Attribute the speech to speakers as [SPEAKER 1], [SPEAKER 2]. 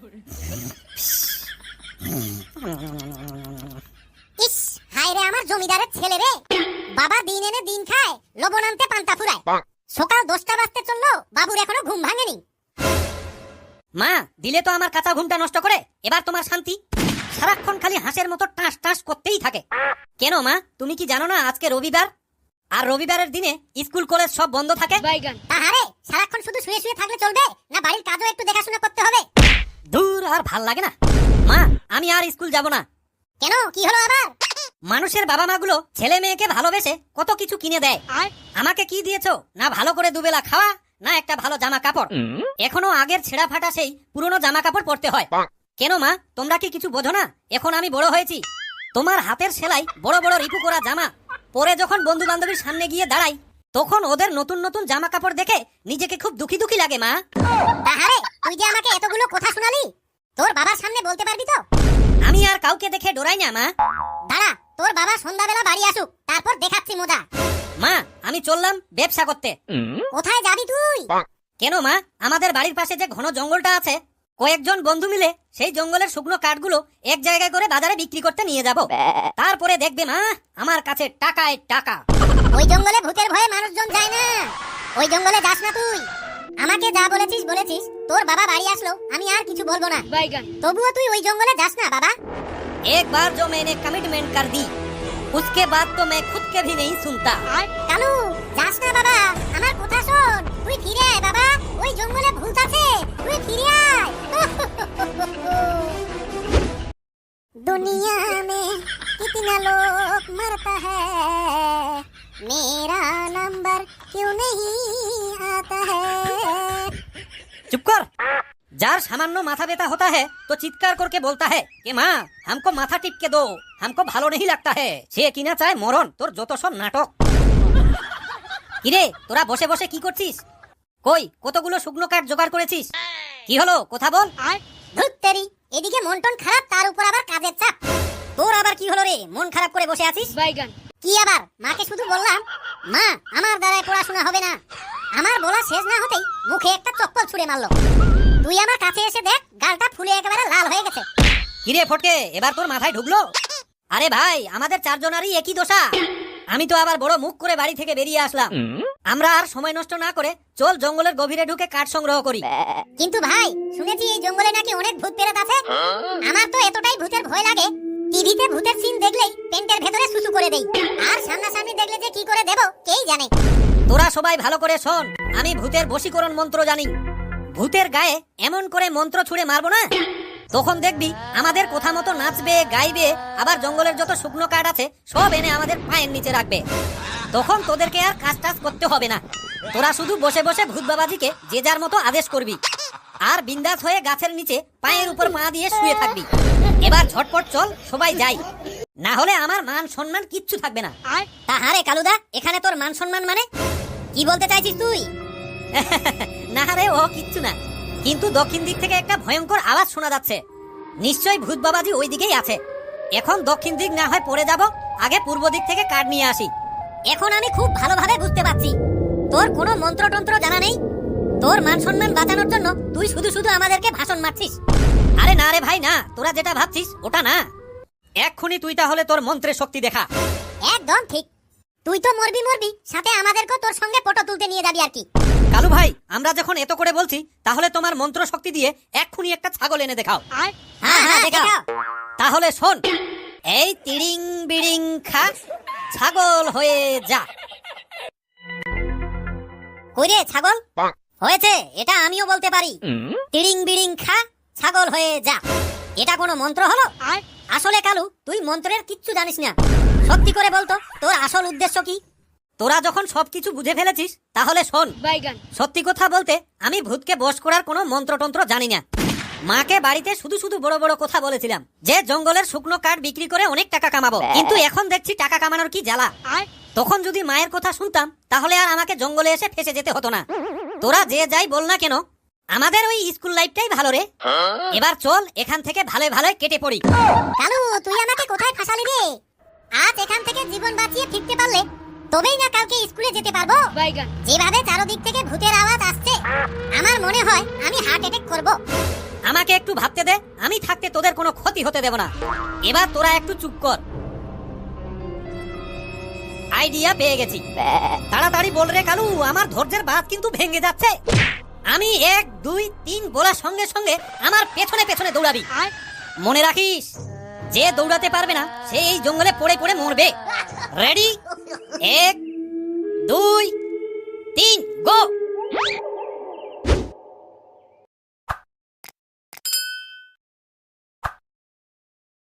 [SPEAKER 1] ইস, হায় রে আমার জমিদারের ছেলে রে। বাবা দিন এনে দিন খায়, লবণ আনতে পান্তা ফুরায়। সকাল 10টা বাজতে চললো, বাবুর এখনো ঘুম ভাঙেনি।
[SPEAKER 2] মা, দিলে তো আমার কাঁচা ঘুমটা নষ্ট করে। এবার তোমার শান্তি। সারাক্ষণ খালি হাঁসের মতো টাস টাস করতেই থাকে। কেন মা, তুমি কি জানো না আজকে রবিবার? আর রবিবারের দিনে স্কুল কলেজ সব বন্ধ থাকে।
[SPEAKER 1] তাহারে সারাক্ষণ শুধু শুয়ে শুয়ে থাকলে চলবে না, বাড়ির কাজও একটু দেখাশোনা করতে হবে।
[SPEAKER 2] দূর, আর ভাল লাগে না। মা, আমি আর স্কুল যাব না।
[SPEAKER 1] কেন, কি হলো আবার?
[SPEAKER 2] মানুষের বাবা মাগুলো ছেলে মেয়েকে ভালোবেসে কত কিছু কিনে দেয়। আমাকে কি দিয়েছো? না ভালো করে দুবেলা খাওয়া, না একটা ভালো জামা কাপড়। এখনো আগের ছেঁড়া ফাটা সেই পুরনো জামা কাপড় পরতে হয়। কেন মা, তোমরা কি কিছু বোঝো না? এখন আমি বড় হয়েছি। তোমার হাতের সেলাই বড় বড় রিপু করা জামা পরে যখন বন্ধু বান্ধবীর সামনে গিয়ে দাঁড়াই, তখন ওদের নতুন নতুন জামা কাপড় দেখে নিজেকে খুব দুঃখী দুঃখী লাগে মা।
[SPEAKER 1] তাহারে তুই যে আমাকে এতগুলো কথা শোনালি, তোর বাবার সামনে বলতে পারবি তো?
[SPEAKER 2] আমি আর কাউকে দেখে ডরাই না মা।
[SPEAKER 1] দাঁড়া, তোর বাবা সন্ধ্যাবেলা বাড়ি আসুক, তারপর দেখাচ্ছি মজা।
[SPEAKER 2] মা, আমি চললাম ব্যবসা করতে।
[SPEAKER 1] কোথায় যাবি তুই?
[SPEAKER 2] কেন মা, আমাদের বাড়ির পাশে যে ঘন জঙ্গলটা আছে, কয়েকজন বন্ধু মিলে সেই জঙ্গলের শুকনো কাঠগুলো এক জায়গায় করে বাজারে বিক্রি করতে নিয়ে যাব। তারপরে দেখবে মা, আমার কাছে টাকায় টাকা।
[SPEAKER 1] ওই জঙ্গলে ভূতের ভয়ে মানুষজন যায় না, ওই জঙ্গলে যাস না তুই। আমাকে যা বলেছিস বলেছিস, তোর বাবা বাড়ি আসলো, আমি আর কিছু বলবো না। তবুও তুই ওই জঙ্গলে যাস না বাবা।
[SPEAKER 2] एक बार जो मैंने कमिटमेंट कर दी, उसके बाद तो मैं खुद के भी नहीं सुनता।
[SPEAKER 1] কালু, যাস না বাবা, আমার কথা শোন। তুই ফিরে আয় বাবা, ওই জঙ্গলে ভূত আছে, তুই ফিরে আয়। दुनिया में कितना लोग मरता है, मेरा नंबर क्यों नहीं आता है।
[SPEAKER 2] चुप कर। जार सामान्य माथा व्यथा होता है तो चित्कार करके बोलता है कि माँ हमको माथा टिप के दो, हमको भालो नहीं लगता है। সে কিনা চায় মরণ। তোর যত সব নাটক। কিরে, তোরা বসে বসে কি করছিস? কই কতগুলো শুকনো কাঠ জোগাড় করেছিস? কি হলো, কথা বল।
[SPEAKER 1] ধুত তেরি, এদিকে মন টন খারাপ, তার উপর আবার কাজের চাপ।
[SPEAKER 2] তোর আবার কি হলো রে, মন খারাপ করে বসে আছিস?
[SPEAKER 1] কি আবার? মাকে শুধু বললাম, মা আমার দ্বারায় পড়াশোনা হবে না। আমার বলা শেষ না হতেই মুখে একটা চপ্পল ছুঁড়ে মারলো। তুই আমার কাছে এসে দেখ, গালটা ফুলে একেবারে লাল হয়ে গেছে।
[SPEAKER 2] কিরে ফটকে, এবার তোর মাথায় ঢুকলো? আরে ভাই, আমাদের চারজনারই একই দশা। আমি তো আবার বড় মুখ করে বাড়ি থেকে বেরিয়ে আসলাম। আমরা আর সময় নষ্ট না করে চল জঙ্গলের গভীরে ঢুকে কাঠ সংগ্রহ করি।
[SPEAKER 1] কিন্তু ভাই, শুনেছি এই জঙ্গলে নাকি অনেক ভূত প্রেত আছে। আমার তো এতটাই ভূতের ভয় লাগে, টিভিতে ভূতের সিন দেখলেই পেন্টের ভেতরে সুসু করে দেই। আর সামনাসামনি দেখলে যে কি করে দেব কেই জানে।
[SPEAKER 2] তোরা সবাই ভালো করে শোন, আমি ভূতের বশীকরণ মন্ত্র জানি। ভূতের গায়ে এমন করে মন্ত্র ছুঁড়ে মারবো না, তখন দেখবি আমাদের কথা মতো নাচবে, গাইবে, আবার জঙ্গলের যত শুকনো কাঠ আছে সব এনে আমাদের পায়ের নিচে রাখবে। তখন তোদেরকে আর কাজ টাজ করতে হবে না। তোরা শুধু বসে বসে ভূত বাবাজিকে যে যার মতো আদেশ করবি, আর বিন্দাস হয়ে গাছের নিচে পায়ের উপর পা দিয়ে শুয়ে থাকবি। এবার ঝটপট চল, সবাই যাই, না হলে আমার মান সম্মান কিচ্ছু থাকবে না।
[SPEAKER 1] তাহারে কালুদা, এখানে তোর মান সম্মান মানে কি বলতে চাইছিস তুই?
[SPEAKER 2] না রে, ও কিচ্ছু না, কিন্তু দক্ষিণ দিক থেকে একটা ভয়ঙ্কর আওয়াজ শোনা যাচ্ছে। নিশ্চয়ই ভূত বাবাজি ওই দিকেই আছে। এখন দক্ষিণ দিক না হয় পড়ে যাব, আগে পূর্ব দিক থেকে কাঠ নিয়ে আসি।
[SPEAKER 1] এখন আমি খুব ভালোভাবে বুঝতে পারছি তোর কোনো মন্ত্রতন্ত্র জানা নেই। তোর মান সম্মান বাঁচানোর জন্য তুই শুধু শুধু আমাদেরকে ভাষণ মারছিস।
[SPEAKER 2] আরে না রে ভাই, না, তোরা যেটা ভাবছিস ওটা না। এক্ষুনি তুই তাহলে তোর মন্ত্রের শক্তি দেখা।
[SPEAKER 1] একদম ঠিক, তুই তো মরবি মরবি, সাথে আমাদেরকেও তোর সঙ্গে ফটো তুলতে নিয়ে যাবি আর কি।
[SPEAKER 2] কালু ভাই, আমরা যখন এত করে বলছি, তাহলে তোমার মন্ত্র শক্তি দিয়ে এক্ষুনি একটা ছাগল এনে দেখাও।
[SPEAKER 1] হ্যাঁ দেখাও।
[SPEAKER 2] তাহলে শোন, এই তিড়িং বিড়িং খা, ছাগল হয়ে যা।
[SPEAKER 1] কইরে ছাগল হয়েছে, এটা আমিও বলতে পারি। তিড়িং বিড়িং খা, ছাগল হয়ে যা। এটা কোনো মন্ত্র হলো? আসলে কালু, তুই মন্ত্রের কিচ্ছু জানিস না। সত্যি করে বলতো, তোর আসল উদ্দেশ্য কি?
[SPEAKER 2] তোরা যখন সবকিছু বুঝে ফেলেছিস, তাহলে শোন। সত্যি কথা বলতে, আমি ভূতকে বশ করার কোনো মন্ত্রতন্ত্র জানি না। মাকে বাড়িতে শুধু শুধু বড় বড় কথা বলেছিলাম যে জঙ্গলের শুকনো কাঠ বিক্রি করে অনেক টাকা কামাবো, কিন্তু এখন দেখছি টাকা কামানোর কি জ্বালা। তখন যদি মায়ের কথা শুনতাম, তাহলে আর আমাকে জঙ্গলে এসে ফেসে যেতে হতো না। তোরা যে যাই বল না কেন, আমাদের ওই স্কুল লাইফটাই ভালো রে। এবার চল এখান থেকে ভালো ভালো কেটে পড়ি।
[SPEAKER 1] কালু, তুই আমাকে কোথায় ফাঁসালি রে? আজ এখান থেকে জীবন বাঁচিয়ে ফিরতে পারলে তবেই না কালকে স্কুলে যেতে পারবো। যেভাবে চারদিক থেকে ভূতের আওয়াজ আসছে, আমার মনে হয় আমি হার্ট অ্যাটাক করব।
[SPEAKER 2] আমাকে একটু ভাবতে দে, আমি থাকতে তোদের কোনো ক্ষতি হতে দেব না। এবার তোরা একটু চুপ কর। আইডিয়া পেয়ে গেছি। তাড়াতাড়ি বল রে কালু, আমার ধৈর্যের বাঁধ কিন্তু ভেঙে যাচ্ছে। আমি 1 2 3 বলার সঙ্গে সঙ্গে আমার পেছনে পেছনে দৌড়াবি। মনে রাখিস, যে দৌড়াতে পারবে না সে এই জঙ্গলে পড়ে পড়ে মরবে। রেডি? 1 2